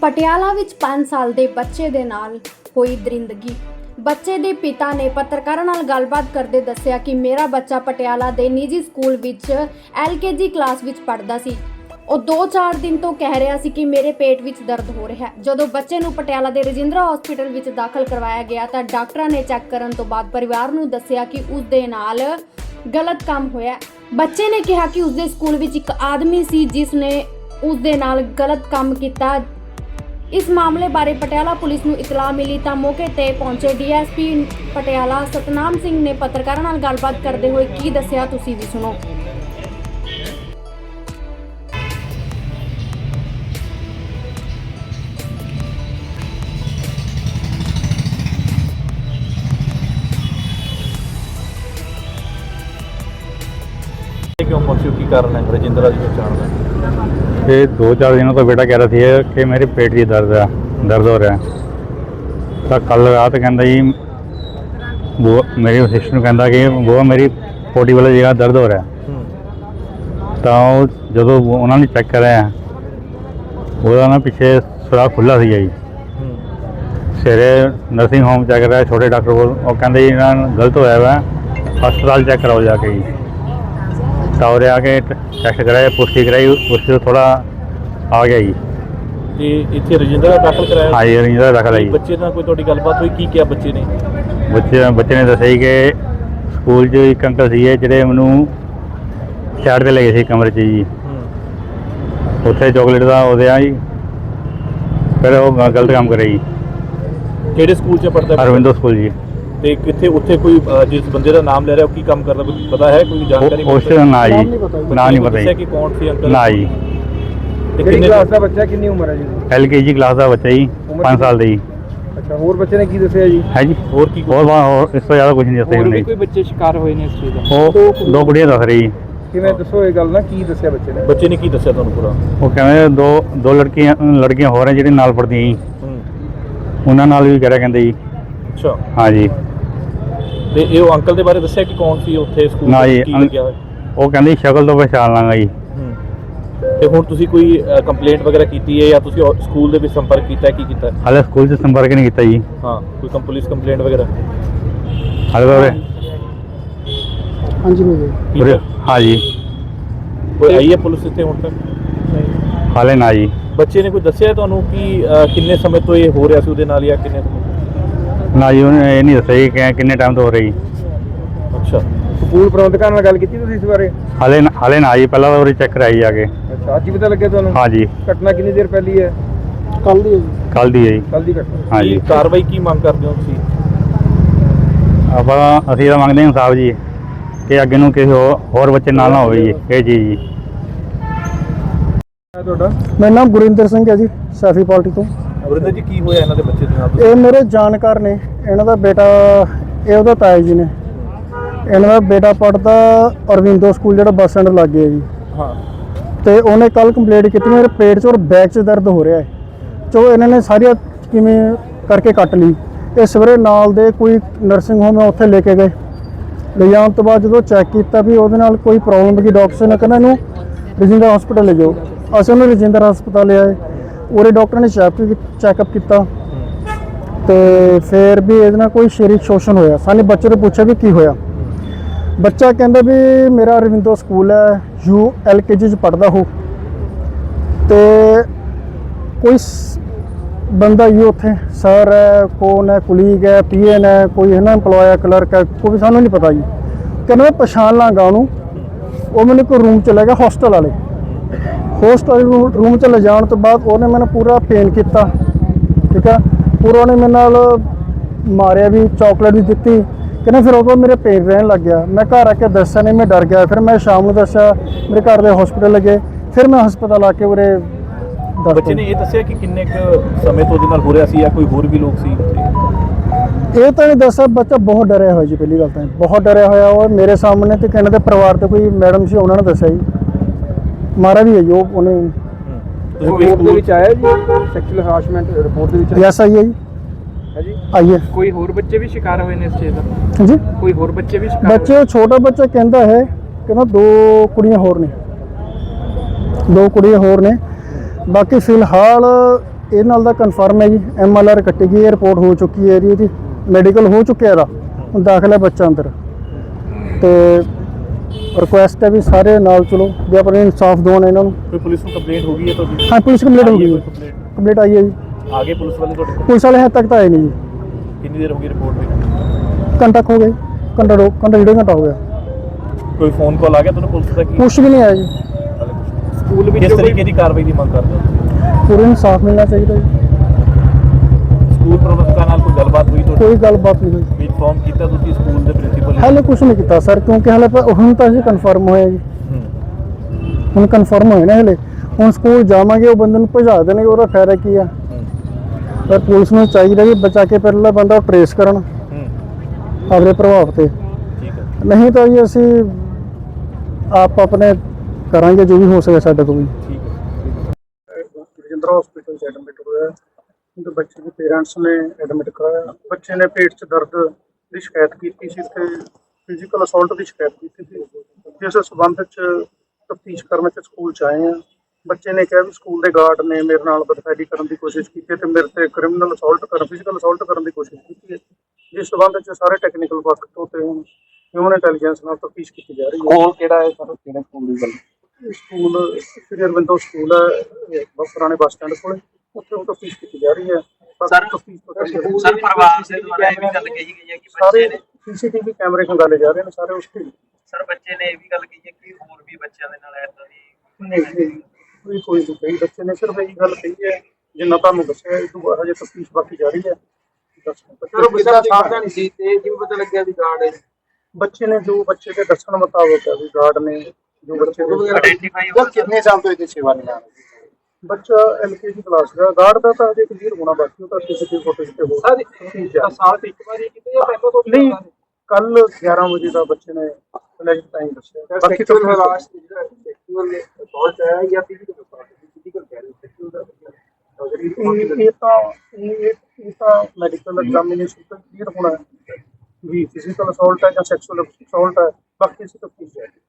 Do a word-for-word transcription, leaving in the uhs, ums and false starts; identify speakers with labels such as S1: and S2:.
S1: ਪਟਿਆਲਾ ਵਿੱਚ ਪੰਜ ਸਾਲ ਦੇ ਬੱਚੇ ਦੇ ਨਾਲ ਹੋਈ ਦਰਿੰਦਗੀ। ਬੱਚੇ ਦੇ ਪਿਤਾ ਨੇ ਪੱਤਰਕਾਰਾਂ ਨਾਲ ਗੱਲਬਾਤ ਕਰਦੇ ਦੱਸਿਆ ਕਿ ਮੇਰਾ ਬੱਚਾ ਪਟਿਆਲਾ ਦੇ ਨਿੱਜੀ ਸਕੂਲ ਵਿੱਚ ਐਲ ਕੇ ਜੀ ਕਲਾਸ ਵਿੱਚ ਪੜ੍ਹਦਾ ਸੀ। ਉਹ ਦੋ ਚਾਰ ਦਿਨ ਤੋਂ ਕਹਿ ਰਿਹਾ ਸੀ ਕਿ ਮੇਰੇ ਪੇਟ ਵਿੱਚ ਦਰਦ ਹੋ ਰਿਹਾ ਹੈ। ਜਦੋਂ ਬੱਚੇ ਨੂੰ ਪਟਿਆਲਾ ਦੇ ਰਜਿੰਦਰਾ ਹਸਪੀਟਲ ਵਿੱਚ ਦਾਖਲ ਕਰਵਾਇਆ ਗਿਆ ਤਾਂ ਡਾਕਟਰਾਂ ਨੇ ਚੈੱਕ ਕਰਨ ਤੋਂ ਬਾਅਦ ਪਰਿਵਾਰ ਨੂੰ ਦੱਸਿਆ ਕਿ ਉਸ ਦੇ ਨਾਲ ਗਲਤ ਕੰਮ ਹੋਇਆ। ਬੱਚੇ ਨੇ ਕਿਹਾ ਕਿ ਉਸ ਦੇ ਸਕੂਲ ਵਿੱਚ ਇੱਕ ਆਦਮੀ ਸੀ ਜਿਸ ਨੇ ਉਸ ਦੇ ਨਾਲ ਗਲਤ ਕੰਮ ਕੀਤਾ। ਇਸ ਮਾਮਲੇ ਬਾਰੇ ਪਟਿਆਲਾ ਪੁਲਿਸ ਨੂੰ ਇਤਲਾਹ ਮਿਲੀ ਤਾਂ ਮੌਕੇ ਤੇ ਪਹੁੰਚੇ D S P Patiala Satnam Singh ਨੇ ਪੱਤਰਕਾਰਾਂ ਨਾਲ ਗੱਲਬਾਤ ਕਰਦੇ ਹੋਏ ਕੀ ਦੱਸਿਆ, ਤੁਸੀਂ ਵੀ ਸੁਣੋ।
S2: क्यों पहुंचे, की कारण है रजिंद्रा जी पहचान में?
S3: ये दो चार दिनों तो बेटा कह रहा था कि मेरे पेट की दर्द है, दर्द हो रहा है। तो कल रात कहता जी वो मेरी सिस्टर कहता कि वो मेरी पोटी वाली जगह दर्द हो रहा है। तो जो उन्होंने चेक कराया वो ना पिछे सुराख खुला सी जी। सवेरे नर्सिंग होम चेक कराया छोटे डॉक्टर को, वो कहते जी गलत होया वा, हस्पताल चेक कराओ जाके जी। टावरे आके टेस्ट कराया, पुष्टि कराई, उससे तो थोड़ा आ गया जी।
S2: ਤੇ ਇੱਥੇ ਰਜਿੰਦਰਾ ਦਾਖਲ ਕਰਾਇਆ?
S3: हाँ जी रजिंदरा दाखिल आई।
S2: ਬੱਚੇ ਨਾਲ ਕੋਈ ਤੁਹਾਡੀ ਗੱਲਬਾਤ ਹੋਈ, ਕੀ ਕਿਹਾ ਬੱਚੇ ਨੇ?
S3: ਬੱਚੇ ਬੱਚੇ ਨੇ ਦੱਸਿਆ ਜੀ ਕਿ ਸਕੂਲ 'ਚ ਇੱਕ ਅੰਕਲ ਸੀਗੇ ਜਿਹੜੇ ਮੈਨੂੰ ਸਾਈਡ 'ਤੇ ਲੈ ਗਏ ਸੀ ਕਮਰੇ 'ਚ ਜੀ। ਉੱਥੇ ਚੋਕਲੇਟ ਦਾ ਉਹਦੇ ਆ ਜੀ, ਫਿਰ ਉਹ ਗਲਤ ਕੰਮ ਕਰਿਆ ਜੀ।
S2: ਕਿਹੜੇ ਸਕੂਲ 'ਚ ਪੜ੍ਹਦਾ?
S3: ਅਰਵਿੰਦੋ ਸਕੂਲ ਜੀ।
S2: ਤੇ ਕਿੱਥੇ ਉੱਥੇ ਕੋਈ ਅ, ਜਿਸ ਬੰਦੇ ਦਾ ਨਾਮ ਲੈ ਰਿਹਾ ਉਹ ਕੀ ਕੰਮ ਕਰਦਾ, ਕੁਝ ਪਤਾ ਹੈ? ਕੋਈ ਜਾਣਕਾਰੀ?
S3: ਉਸ ਦਾ ਨਾ ਜੀ, ਨਾ ਨਹੀਂ ਪਤਾ
S2: ਦੱਸਿਆ
S3: ਜੀ।
S2: ਕਿ ਕੌਣ ਸੀ ਅੰਕਲ?
S3: ਨਾ ਜੀ।
S2: ਤੇ
S4: ਕਿੰਨੀ
S2: ਕਿੰਨੇ
S4: ਕਲਾਸ ਦਾ ਬੱਚਾ, ਕਿੰਨੀ ਉਮਰ ਹੈ ਜੀ?
S3: ਐਲ ਕੇ ਜੀ ਕਲਾਸ ਦਾ ਬੱਚਾ ਜੀ, ਪੰਜ ਸਾਲ ਦਾ ਜੀ।
S4: ਅੱਛਾ, ਹੋਰ ਬੱਚੇ ਨੇ ਕੀ ਦੱਸਿਆ ਜੀ?
S3: ਹੈ ਜੀ।
S2: ਹੋਰ ਕੀ
S3: ਹੋਰ ਬਾ- ਹੋਰ ਇਸ ਤੋਂ ਜ਼ਿਆਦਾ ਕੁਝ ਨਹੀਂ ਦੱਸਿਆ
S4: ਹੋਰ ਵੀ
S3: ਉਹਨੇ।
S4: ਕੋਈ ਬੱਚੇ ਸ਼ਿਕਾਰ ਹੋਏ ਨੇ ਇਸ ਚੀਜ਼ ਦਾ?
S3: ਉਹ ਦੋ ਕੁੜੀਆਂ ਦੱਸ ਰਹੀ ਜੀ।
S4: ਕਿਵੇਂ ਦੱਸੋ ਇਹ ਗੱਲ ਨਾ, ਕੀ ਦੱਸਿਆ ਬੱਚੇ ਨੇ?
S2: ਬੱਚੇ ਨੇ ਕੀ ਦੱਸਿਆ ਤੁਹਾਨੂੰ ਪੂਰਾ?
S3: ਉਹ ਕਹਿੰਦੇ ਦੋ ਦੋ ਲੜਕੀਆਂ ਲੜਕੀਆਂ ਹੋਰ ਹੈ ਜਿਹੜੇ ਨਾਲ ਪੜ੍ਹਦੀਆਂ ਜੀ,
S2: ਹੂੰ।
S3: ਉਹਨਾਂ ਨਾਲ ਵੀ ਕਹਿ ਰਿਹਾ ਕਹਿੰਦੇ ਜੀ।
S2: ਅੱਛਾ।
S3: ਹਾਂ ਜੀ।
S2: ਤੇ ਇਹ ਉਹ ਅੰਕਲ ਦੇ ਬਾਰੇ ਦੱਸਿਆ ਕਿ ਕੌਣ ਸੀ ਉੱਥੇ ਸਕੂਲ
S3: ਨਾ
S2: ਵਿੱਚ,
S3: ਜੀ,
S2: ਕੀ
S3: ਅੰਕ-
S2: ਲੱਗਿਆ ਹੋਇਆ?
S3: ਉਹ ਕਹਿੰਦੇ ਸ਼ਕਲ ਤੋਂ ਪਛਾਣ ਲਾਂਗਾ ਜੀ।
S2: ਹੂੰ। ਤੇ ਹੁਣ ਤੁਸੀਂ ਕੋਈ ਕੰਪਲੇਂਟ ਵਗੈਰਾ ਕੀਤੀ ਹੈ ਜਾਂ ਤੁਸੀਂ ਉਹ ਸਕੂਲ ਦੇ ਵਿੱਚ ਸੰਪਰਕ ਕੀਤਾ ਹੈ, ਕੀ ਕੀਤਾ ਹੈ?
S3: ਹਾਲੇ ਸਕੂਲ 'ਚ ਸੰਪਰਕ ਨਹੀਂ ਕੀਤਾ ਜੀ।
S2: ਹਾਂ, ਕੋਈ ਕੰਪ- ਪੁਲਿਸ ਕੰਪਲੇਂਟ ਵਗੈਰਾ
S3: ਹਾਲੇ ਤਾਂ ਉਰੇ-
S4: ਹਾਂਜੀ ਮਿਲ
S2: ਕੀ
S3: ਉਰੇ-
S2: ਹੈ?
S3: ਹਾਂ ਜੀ।
S2: ਕੋਈ ਆਈ ਹੈ ਪੁਲਿਸ ਇੱਥੇ ਹੁਣ ਤੱਕ?
S3: ਹਾਲੇ ਨਾ ਜੀ।
S2: ਬੱਚੇ ਨੇ ਕੋਈ ਦੱਸਿਆ ਤੁਹਾਨੂੰ ਕਿ ਅ, ਕਿੰਨੇ ਸਮੇਂ ਤੋਂ ਇਹ ਹੋ ਰਿਹਾ ਸੀ ਉਹਦੇ ਨਾਲ ਜਾਂ ਕਿੰਨੇ ਸਮੇਂ?
S3: ਨਾ ਜੀ, ਉਹਨੇ ਇਹ ਨਹੀਂ ਦੱਸਿਆ ਜੀ ਕਿ ਕਿੰਨੇ ਟਾਈਮ ਤੋਂ ਹੋ ਰਹੀ।
S2: ਅੱਛਾ।
S4: ਸਕੂਲ ਪ੍ਰਬੰਧਕਾਂ ਨਾਲ ਗੱਲ ਕੀਤੀ ਤੁਸੀਂ ਇਸ ਬਾਰੇ?
S3: ਹਾਲੇ ਨਾ- ਹਾਲੇ ਨਾ ਜੀ, ਪਹਿਲਾਂ ਤਾਂ ਉਰੇ ਚੈੱਕ ਕਰਾਈ ਜਾ ਕੇ।
S4: ਅੱਛਾ, ਅੱਜ ਹੀ ਪਤਾ ਲੱਗਿਆ ਤੁਹਾਨੂੰ?
S3: ਹਾਂ ਜੀ,
S4: ਘਟਨਾ ਕਿੰਨੀ ਦੇਰ ਪਹਿਲੀ ਹੈ? ਕੱਲ ਦੀ ਹੈ ਜੀ।
S3: ਕੱਲ੍ਹ ਦੀ ਹੈ ਜੀ।
S4: ਕੱਲ ਦੀ ਘਟਨਾ।
S3: ਹਾਂ ਜੀ।
S2: ਕੀ ਕਾਰਵਾਈ ਕੀ ਮੰਗ ਕਰਦੇ ਹੋ ਤੁਸੀਂ?
S3: ਆਪਾਂ ਅਸੀਂ ਤਾਂ ਮੰਗਦੇ ਹਾਂ ਇਨਸਾਫ ਜੀ, ਕਿ ਅੱਗੇ ਨੂੰ ਕਿਸੇ ਹੋਰ ਹੋਰ ਬੱਚੇ ਨਾਲ ਨਾ ਹੋਵੇ ਜੀ ਇਹ ਚੀਜ਼ ਜੀ।
S4: ਤੁਹਾਡਾ?
S5: ਮੇਰਾ ਨਾਮ ਗੁਰਿੰਦਰ ਸਿੰਘ ਹੈ ਜੀ, ਸੈਫੀ ਪਾਰਟੀ ਤੋਂ।
S2: ਵਰਿੰਦਰ ਜੀ, ਕੀ ਹੋਇਆ ਇਹਨਾਂ ਦੇ ਬੱਚੇ ਦੇ ਨਾਲ?
S5: ਇਹ ਮੇਰੇ ਜਾਣਕਾਰ ਨੇ, ਇਹਨਾਂ ਦਾ ਬੇਟਾ, ਇਹ ਉਹਦਾ ਤਾਇਆ ਜੀ ਨੇ। ਇਹਨਾਂ ਦਾ ਬੇਟਾ ਪੜ੍ਹਦਾ ਅਰਵਿੰਦੋ ਸਕੂਲ ਜਿਹੜਾ ਬੱਸ ਸਟੈਂਡ ਲਾਗੇ ਹੈ ਜੀ।
S2: ਹਾਂ।
S5: ਤੇ ਉਹਨੇ ਕੱਲ ਕੰਪਲੇਂਟ ਕੀਤੀ ਮੇਰੇ ਪੇਟ 'ਚ ਔਰ ਬੈਕ 'ਚ ਦਰਦ ਹੋ ਰਿਹਾ ਹੈ। ਚਲੋ ਇਹਨਾਂ ਨੇ ਸਾਰੀਆਂ ਕਿਵੇਂ ਕਰਕੇ ਕੱਟ ਲਈ। ਇਹ ਸਵੇਰੇ ਨਾਲ ਦੇ ਕੋਈ ਨਰਸਿੰਗ ਹੋਮ ਹੈ ਉੱਥੇ ਲੈ ਕੇ ਗਏ। ਲੈ ਜਾਣ ਤੋਂ ਬਾਅਦ ਜਦੋਂ ਚੈੱਕ ਕੀਤਾ ਵੀ ਉਹਦੇ ਨਾਲ ਕੋਈ ਪ੍ਰੋਬਲਮ ਹੈਗੀ, ਡਾਕਟਰ ਨੇ ਕਹਿੰਦਾ ਇਹਨੂੰ ਰਜਿੰਦਰਾ ਹਸਪੀਟਲ ਲੈ ਜਾਓ। ਅਸੀਂ ਉਹਨੂੰ ਰਜਿੰਦਰਾ ਹਸਪਤਾਲ ਲਿਆਏ। ਉਰੇ ਡਾਕਟਰ ਨੇ ਚੈੱਕ ਚੈੱਕਅਪ ਕੀਤਾ ਤੇ ਫਿਰ ਵੀ ਇਹਦੇ ਨਾਲ ਕੋਈ ਸਰੀਰਕ ਸ਼ੋਸ਼ਣ ਹੋਇਆ। ਸਾਨੂੰ ਬੱਚੇ ਤੋਂ ਪੁੱਛਿਆ ਵੀ ਕੀ ਹੋਇਆ। ਬੱਚਾ ਕਹਿੰਦਾ ਵੀ ਮੇਰਾ ਰਵਿੰਦੋ ਸਕੂਲ ਹੈ, ਯੂ ਐਲ ਕੇ ਜੀ 'ਚ ਪੜ੍ਹਦਾ ਹੋ, ਤੇ ਕੋਈ ਸ- ਬੰਦਾ ਹੀ ਉੱਥੇ ਸਰ ਹੈ, ਕੌਣ ਹੈ, ਕੁਲੀਗ ਹੈ, ਪੀ ਐਨ ਹੈ, ਕੋਈ ਹੈ ਨਾ ਇੰਪਲੋਏ ਹੈ, ਕਲਰਕ ਹੈ, ਕੋਈ ਵੀ ਸਾਨੂੰ ਨਹੀਂ ਪਤਾ ਜੀ। ਕਹਿੰਦਾ ਮੈਂ ਪਛਾਣ ਲਾਂਗਾ ਉਹਨੂੰ। ਉਹ ਮੈਨੂੰ ਕੋਈ ਰੂਮ 'ਚ ਲੈ ਗਿਆ, ਹੋਸਟਲ ਵਾਲੇ ਹੋਸਟਲ ਰੂਮ 'ਚ ਲੈ ਜਾਣ ਤੋਂ ਬਾਅਦ ਉਹਨੇ ਮੈਨੂੰ ਪੂਰਾ ਪੇਨ ਕੀਤਾ, ਠੀਕ ਹੈ। ਪੂਰਾ ਉਹਨੇ ਮੇਰੇ ਨਾਲ ਮਾਰਿਆ ਵੀ, ਚਾਕਲੇਟ ਵੀ ਦਿੱਤੀ। ਕਹਿੰਦਾ ਫਿਰ ਉਦੋਂ ਮੇਰੇ ਪੇਨ ਰਹਿਣ ਲੱਗ ਗਿਆ। ਮੈਂ ਘਰ ਆ ਕੇ ਦੱਸਿਆ ਨਹੀਂ, ਮੈਂ ਡਰ ਗਿਆ। ਫਿਰ ਮੈਂ ਸ਼ਾਮ ਨੂੰ ਦੱਸਿਆ, ਮੇਰੇ ਘਰ ਦੇ ਹਸਪੀਟਲ ਲੱਗੇ। ਫਿਰ ਮੈਂ ਹਸਪਤਾਲ ਆ ਕੇ ਉਰੇ ਦੱਸ
S2: ਬੱਚੇ ਨੇ ਇਹ ਦੱਸਿਆ ਕਿ ਕਿੰਨੇ ਕੁ ਸਮੇਂ ਤੋਂ ਉਹਦੇ ਨਾਲ ਹੋ ਰਿਹਾ ਸੀ ਜਾਂ ਕੋਈ ਹੋਰ ਵੀ ਲੋਕ ਸੀ ਉੱਥੇ?
S5: ਇਹ ਤਾਂ ਨਹੀਂ ਦੱਸਿਆ। ਬੱਚਾ ਬਹੁਤ ਡਰਿਆ ਹੋਇਆ ਜੀ, ਪਹਿਲੀ ਗੱਲ ਤਾਂ ਬਹੁਤ ਡਰਿਆ ਹੋਇਆ। ਉਹ ਮੇਰੇ ਸਾਹਮਣੇ ਤੇ ਕਹਿੰਦੇ ਦੇ ਪਰਿਵਾਰ ਤੇ ਕੋਈ ਮੈਡਮ ਸੀ, ਉਹਨਾਂ ਨੇ ਦੱਸਿਆ ਜੀ ਮਾਰਾ ਵੀ ਹੈ ਜੀ ਉਹ ਉਹਨੇ।
S2: ਤੁਸੀਂ ਕੋਈ
S4: ਰਿਪੋਰਟ ਦੇ
S2: ਸਕੂਲ
S4: ਵਿੱਚ ਆਇਆ ਜੀ ਸੈਕਸ਼ੂਅਲ ਹਰਾਸਮੈਂਟ ਰਿਪੋਰਟ ਦੇ ਵਿੱਚ?
S5: ਯੈਸ ਆਈ ਹੈ ਜੀ,
S4: ਹੈ ਜੀ।
S5: ਆਈ ਹੈ।
S4: ਕੋਈ ਹੋਰ ਬੱਚੇ ਵੀ ਸ਼ਿਕਾਰ ਹੋਏ ਨੇ ਇਸ ਚੀਜ਼ ਦਾ?
S5: ਹਾਂਜੀ,
S4: ਕੋਈ ਹੋਰ ਬੱਚੇ ਵੀ ਸ਼ਿਕਾਰ
S5: ਬੱਚੇ ਛੋਟਾ ਬੱਚਾ ਕਹਿੰਦਾ ਹੈ, ਕਹਿੰਦਾ ਦੋ ਕੁੜੀਆਂ ਹੋਰ ਨੇ, ਦੋ ਕੁੜੀਆਂ ਹੋਰ ਨੇ। ਬਾਕੀ ਫਿਲਹਾਲ ਇਹ ਨਾਲ ਦਾ ਕਨਫਰਮ ਹੈ ਜੀ, ਐਮ ਐਲ ਆਰ ਕੱਟੀ ਗਈ ਹੈ, ਰਿਪੋਰਟ ਹੋ ਚੁੱਕੀ ਹੈ ਜੀ, ਮੈਡੀਕਲ ਹੋ ਚੁੱਕਿਆ ਇਹਦਾ, ਹੁਣ ਦਾਖਲ ਹੈ ਬੱਚਾ ਅੰਦਰ। ਤੇ ਰਿਕੁਐਸਟ ਹੈ ਵੀ ਸਾਰੇ ਨਾਲ ਚਲੋ ਵੀ ਆਪਣੇ ਇਨਸਾਫ ਦਿਵਾਉਣ ਇਹਨਾਂ ਨੂੰ।
S2: ਕੋਈ ਪੁਲਿਸ ਨੂੰ ਕੰਪਲੇਂਟ ਹੋ ਗਈ ਹੈ ਤੁਹਾਡੀ?
S5: ਹਾਂ ਪੁਲਿਸ ਕੰਪਲੀਟ ਹੋ ਗਈ ਜੀ,
S2: ਕੰਪਲੇਂਟ
S5: ਕੰਪਲੀਟ ਆਈ ਹੈ ਜੀ।
S2: ਆਗੇ ਪੁਲਿਸ ਵਾਲੇ ਤੁਹਾਡੇ ਕੋਲ?
S5: ਪੁਲਿਸ ਵਾਲੇ ਹੱਦ ਤੱਕ ਤਾਂ ਆਏ ਨਹੀਂ ਜੀ,
S2: ਕਿੰਨੀ ਦੇਰ ਹੋ ਗਈ ਰਿਪੋਰਟ ਹੋਈ?
S5: ਘੰਟਾ ਕੁ ਹੋ ਗਿਆ ਜੀ, ਘੰਟਾ ਦੋ ਘੰਟਾ ਡੇਢ ਘੰਟਾ ਹੋ ਗਿਆ,
S2: ਕੋਈ ਫੋਨ ਕਾਲ ਆ ਗਿਆ ਤੁਹਾਨੂੰ ਪੁਲਿਸ ਦਾ? ਕੀ
S5: ਕੁਛ ਵੀ ਨਹੀਂ ਆਇਆ ਜੀ।
S2: ਸਕੂਲ ਵਿੱਚ ਕਿਸ ਤਰੀਕੇ ਦੀ ਕਾਰਵਾਈ ਦੀ ਮੰਗ ਕਰਦੇ ਹੋ?
S5: ਪੂਰੇ ਇਨਸਾਫ ਮਿਲਣਾ ਚਾਹੀਦਾ ਜੀ।
S2: ਸਕੂਲ ਪ੍ਰਬੰਧਕਾਂ ਨਾਲ ਕੋਈ ਗੱਲਬਾਤ ਹੋਈ ਤੁਹਾਡੀ?
S5: ਕੋਈ ਗੱਲਬਾਤ ਨਹੀਂ ਹੋਈ,
S2: ਵੀ ਇਨਫੋਰਮ ਕੀਤਾ ਤੁਸੀਂ ਸਕੂਲ ਦੇ ਪ੍ਰਿੰਸੀਪਲ?
S5: ਹਾਲੇ ਕੁਛ ਨਹੀਂ ਕੀਤਾ ਸਰ, ਕਿਉਂਕਿ ਹਾਲੇ ਪ- ਹੁਣ ਤਾਂ ਅਸੀਂ ਕਨਫਰਮ ਹੋਇਆ ਜੀ, ਹੁਣ ਕਨਫਰਮ ਹੋਏ ਨਾ ਹਲੇ। ਹੁਣ ਸਕੂਲ ਜਾਵਾਂਗੇ, ਉਹ ਬੰਦੇ ਨੂੰ ਭਜਾ ਦੇਣਗੇ, ਉਹਦਾ ਫਾਇਦਾ ਕੀ ਆ? ਪਰ ਪੁਲਿਸ ਨੂੰ ਚਾਹੀਦਾ ਜੀ ਬਚਾ ਕੇ ਪਹਿਲਾਂ ਬੰਦਾ ਟਰੇਸ ਕਰਨ ਆਪਣੇ ਪ੍ਰਭਾਵ ਤੇ,
S2: ਠੀਕ ਹੈ।
S5: ਨਹੀਂ ਤਾਂ ਜੀ ਅਸੀਂ ਆਪ ਆਪਣੇ ਕਰਾਂਗੇ ਜੋ ਵੀ ਹੋ ਸਕੇ ਸਾਡੇ ਤੋਂ ਵੀ।
S2: ਠੀਕ ਹੈ।
S5: ਰਜਿੰਦਰਾ ਹਸਪੀਟਲ 'ਚ ਐਡਮਿਟ ਹੋਇਆ, ਉਹਦੇ ਬੱਚੇ ਦੇ ਪੇਰੈਂਟਸ ਨੇ ਐਡਮਿਟ ਕਰਾਇਆ। ਬੱਚੇ ਨੇ ਪੇਟ 'ਚ ਦਰਦ ਦੀ ਸ਼ਿਕਾਇਤ ਕੀਤੀ ਸੀ ਤੇ ਫਿਜ਼ੀਕਲ ਅਸੌਲਟ ਦੀ ਸ਼ਿਕਾਇਤ ਕੀਤੀ ਸੀ, ਜਿਸ ਸਬੰਧ 'ਚ ਤਫਤੀਸ਼ ਕਰਨ 'ਚ ਸਕੂਲ 'ਚ ਆਏ ਆ। ਬੱਚੇ ਨੇ ਕਿਹਾ ਵੀ ਸਕੂਲ ਦੇ ਗਾਰਡ ਨੇ ਮੇਰੇ ਨਾਲ ਬਦਫੈਲੀ ਕਰਨ ਦੀ ਕੋਸ਼ਿਸ਼ ਕੀਤੀ ਤੇ ਮੇਰੇ ਤੇ ਕ੍ਰਿਮੀਨਲ ਅਸੌਲਟ ਕਰਨ ਫਿਜ਼ੀਕਲ ਅਸੌਲਟ ਕਰਨ ਦੀ ਕੋਸ਼ਿਸ਼ ਕੀਤੀ ਹੈ, ਜਿਸ ਸਬੰਧ 'ਚ ਸਾਰੇ ਟੈਕਨੀਕਲ ਪੱਖ ਤੋਂ ਤੇ ਹੁਣ ਹਿਊਮਨ ਇੰਟੈਲੀਜੈਂਸ ਨਾਲ ਤਫਤੀਸ਼ ਕੀਤੀ ਜਾ ਰਹੀ ਹੈ।
S4: ਸਕੂਲ ਕਿਹੜਾ ਹੈ ਸਰ, ਕਿਹੜੇ ਸਕੂਲ ਦੀ ਗੱਲ?
S5: ਸਕੂਲ ਸ੍ਰੀ ਅਰਵਿੰਦੋ ਸਕੂਲ ਹੈ, ਇਹ ਪੁਰਾਣੇ ਬੱਸ ਸਟੈਂਡ ਕੋਲ, ਉੱਥੇ ਉਹ ਤਫਤੀਸ਼ ਕੀਤੀ ਜਾ ਰਹੀ ਹੈ।
S6: ਸਰ ਸਰ ਪਰਿਵਾਰ ਦੇ ਦੁਆਰਾ ਇਹ ਵੀ ਗੱਲ ਕਹੀ ਗਈ ਹੈ ਕਿ
S5: ਸਾਰੇ
S6: ਬੱਚੇ ਨੇ
S5: ਸੀਸੀਟੀਵੀ ਕੈਮਰੇ ਖੰਗਾਲੇ ਜਾ ਰਹੇ ਨੇ ਸਾਰੇ ਉਸ ਤੇ।
S6: ਸਰ ਬੱਚੇ ਨੇ ਇਹ ਵੀ ਗੱਲ ਕਹੀ ਹੈ ਕਿ ਹੋਰ ਵੀ ਬੱਚਿਆਂ ਦੇ ਨਾਲ ਏਦਾਂ ਦੀ
S5: ਨਹੀਂ ਨਹੀਂ ਕੋਈ ਕੋਈ ਨਹੀਂ ਕਹੀ, ਬੱਚੇ ਨੇ ਸਿਰਫ ਇਹੀ ਗੱਲ ਕਹੀ ਹੈ ਜਿੰਨਾ ਤੁਹਾਨੂੰ ਦੱਸਿਆ। ਇਹ ਤੋਂ ਬਾਅਦ ਹਜੇ ਤਫਤੀਸ਼ ਬਾਕੀ ਜਾਰੀ ਹੈ।
S4: ਸਰ ਬੱਚਾ ਸਾਵਧਾਨ ਸੀ ਤੇ ਜਿਵੇਂ ਪਤਾ ਲੱਗਿਆ ਵੀ ਗਾਰਡ ਹੈ,
S5: ਬੱਚੇ ਨੇ ਜੋ ਬੱਚੇ ਦੇ ਦੱਸਣ ਮੁਤਾਬਕ ਹੈ ਵੀ ਗਾਰਡ ਨੇ ਜੋ ਬੱਚੇ ਦੇ
S6: ਆਇਡੈਂਟੀਫਾਈ ਹੋ
S4: ਕਿੰਨੇ ਸਾਲ ਤੋਂ ਇਹਦੀ ਸੇਵਾ ਨਿਭਾ ਰਹੇ?
S5: ਬੱਚਾ ਐਲਕੇਜੀ ਕਲਾਸ ਦਾ, ਗਾਰਡ ਦਾ ਤਾਂ ਹਜੇ ਕਲੀਅਰ ਹੋਣਾ ਬਾਕੀ, ਉਹ ਤਾਂ ਸੀਸੀਟੀਵੀ ਫੁਟੇਜ ਤੇ ਹੋ
S4: ਸਰ ਸਾਲ ਤੇ ਇੱਕ ਵਾਰੀ ਕੀਤੇ ਜਾਂ ਪਹਿਲਾਂ ਤੋਂ
S5: ਨਹੀਂ, ਕੱਲ ਗਿਆਰਾਂ ਵਜੇ ਦਾ ਬੱਚੇ ਨੇ ਲੈਜਟ ਟਾਈਮ ਦੱਸਿਆ। ਬਾਕੀ ਤਾਂ
S4: ਸੈਕਸ਼ੂਅਲ ਹਰਾਸ ਸੈਕਸ਼ੂਅਲ ਅਸੌਲਟ ਹੈ ਜਾਂ ਫਿਜ਼ੀਕਲ ਅਸੌਲਟ? ਫਿਜ਼ੀਕਲ ਕਹਿ ਰਹੇ ਸੈਕਸ਼ੂਅਲ ਦਾ
S5: ਇਹ ਇਹ ਤਾਂ ਇਹ ਇਹ ਤਾਂ ਮੈਡੀਕਲ ਐਗਜ਼ਾਮੀਨੇਸ਼ਨ ਤੋਂ ਕਲੀਅਰ ਹੋਣਾ ਹੈ ਵੀ ਫਿਜ਼ੀਕਲ ਅਸੌਲਟ ਹੈ ਜਾਂ ਸੈਕਸ਼ੂਅਲ ਅਸੌਲਟ ਹੈ, ਬਾਕੀ ਅਸੀਂ ਤਫਤੀਸ਼ ਜਾਰੀ